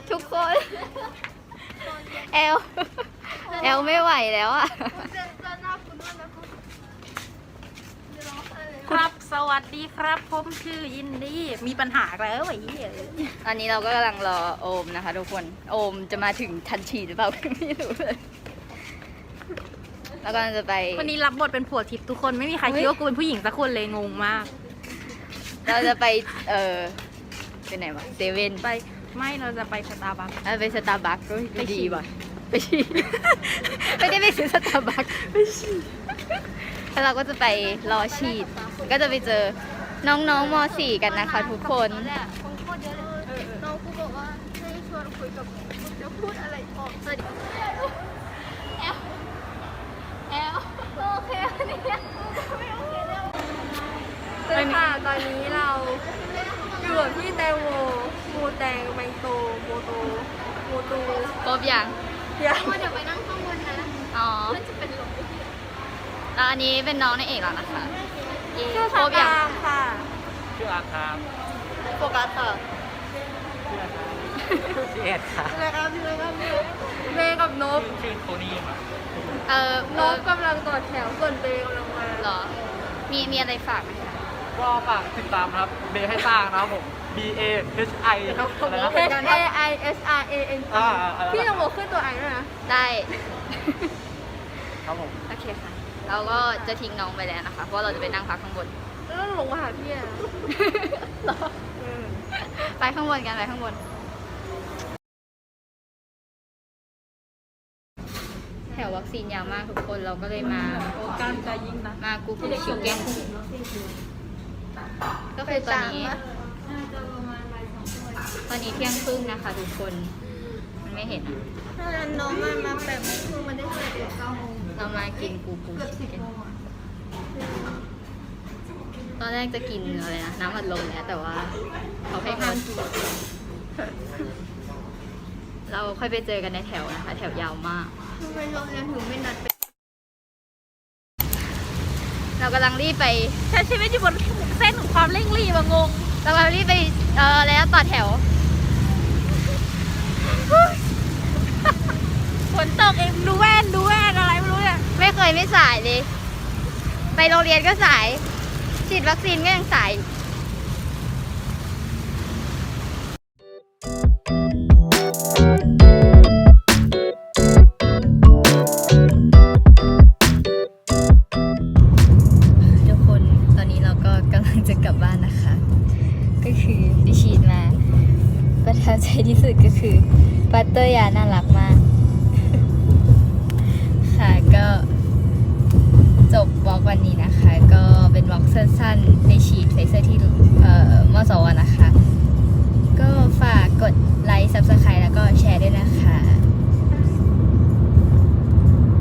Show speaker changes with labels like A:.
A: ทุกคนแอลไม่ไหวแล้วอ่ะ
B: ครับสวัสดีครับผมชื่อยินดีมีปัญหาแล้วไอ้เหี้ย
A: ตอนนี้เราก็กำลังรอโอมนะคะทุกคนโอมจะมาถึงทันทีหรือเปล่าไม่รู้เลยแล้วก็จะไป
B: วันนี้รับบทเป็นผัวทิพย์ทุกคนไม่มีใครคิดว่ากูเป็นผู้หญิงสักคนเลยงงมาก
A: เราจะไปเป็นไหนวะเซเว่น
B: ไปไม่เราจะไปสตาร์บัค
A: ไปสตาร์บัคก็
B: ไปฉี่
A: ดีว่ะไปฉี่ ไม่ได้ไปซื้อสตาร์บัคไปฉี่แล้วเราก็จะไปรอฉีดก็จะไปเจอน้องๆม .4 กันนะคะทุกคน
C: น้องกูบอกว่าให้ชวนคุยกับจะพูดอะไรออกสวัสดีแอลโอเคเนี่ยไม่โอเคแล้วเลยค่ะตอนนี้เราอยู่กับพี่แตงโมมูแตงแมงโตโมโตโมตู
A: ครบยัง
C: เดี๋ยวไปนั่งข้างบนนะ
A: อ๋อ
C: มันจะเป็นลม
A: แล้วอันนี้เป็นน้องในเอกแล้วนะคะ
C: ชื่อ
A: ครบยัง
C: ค่ะ
D: ชื่ออาครับ
A: โฟกัสค่ะ
D: ชื่อเอ็ดครับ
C: ชื่ออะไรครับชื่ออะไรครับเบกับนบ
D: ชื่อโทนี่ครับ
C: นบกำลังต่อแถวส่วนเบกำลังมา
A: เหรอมีอะไรฝากไหมคะ
D: ก็ฝากติดตามนะครับเบให้สร้างนะครับผม B A H I ครับอะไรนะ
C: H A I S R A N G พี่ต้องบอกขึ้นตัวไอด้วยนะ
A: ได้
D: ครับผม
A: โอเคค่ะ เราก็จะทิ้งน้องไปแล้วนะคะ เพราะเราจะไปนั่งพักข้างบน
C: แล้วต้องลงมาหาพี่อะ
A: ไปข้างบนกันไปข้างบน แถววัคซีนยาวมากทุกคนเราก็เลยมา
B: การจะยิงนะ
A: มากูกูชิคเก้นก็คือตอนนี้เที่ยงครึ่งนะคะทุกคน มันไม่เห็นอะ
C: ถ้าน้องมาแบบคือมันได้เจอตัว9 โมง
A: เรามากินกูชิคเก้นตอนแรกจะกินอะไรนะน้ำอัดลมแล้วแต่ว่าเขาให้งดเราค่อยไปเจอกันในแถวนะคะ แถวยาวมาก
C: ทำไมโรงเรียนถึงไม่นัดไป
A: เรากำลังรีบไป
B: ใช้ชีวิตอยู่บนเส้นของความเร่งรีบอะงง
A: เรากำลังรีบไปแล้วต่อแถว
B: ฝนตกเองดูแว่นอะไรไม่รู้เนี่ย
A: ไม่เคยไม่สายเลย ไปโรงเรียนก็สาย ฉีดวัคซีนก็ยังสาย ทุกคนตอนนี้เราก็กำลังจะกลับบ้านนะคะ ก็คือไปฉีดมา ประทับใจที่สุดก็คือปัตเตอร์ยาน่ารักมาก ค่ะก็จบวอล์กวันนี้นะคะ ก็เป็นวอล์กสั้นๆในฉีดไฟเซอร์ที่มสวนะคะ ก็ฝากกดไล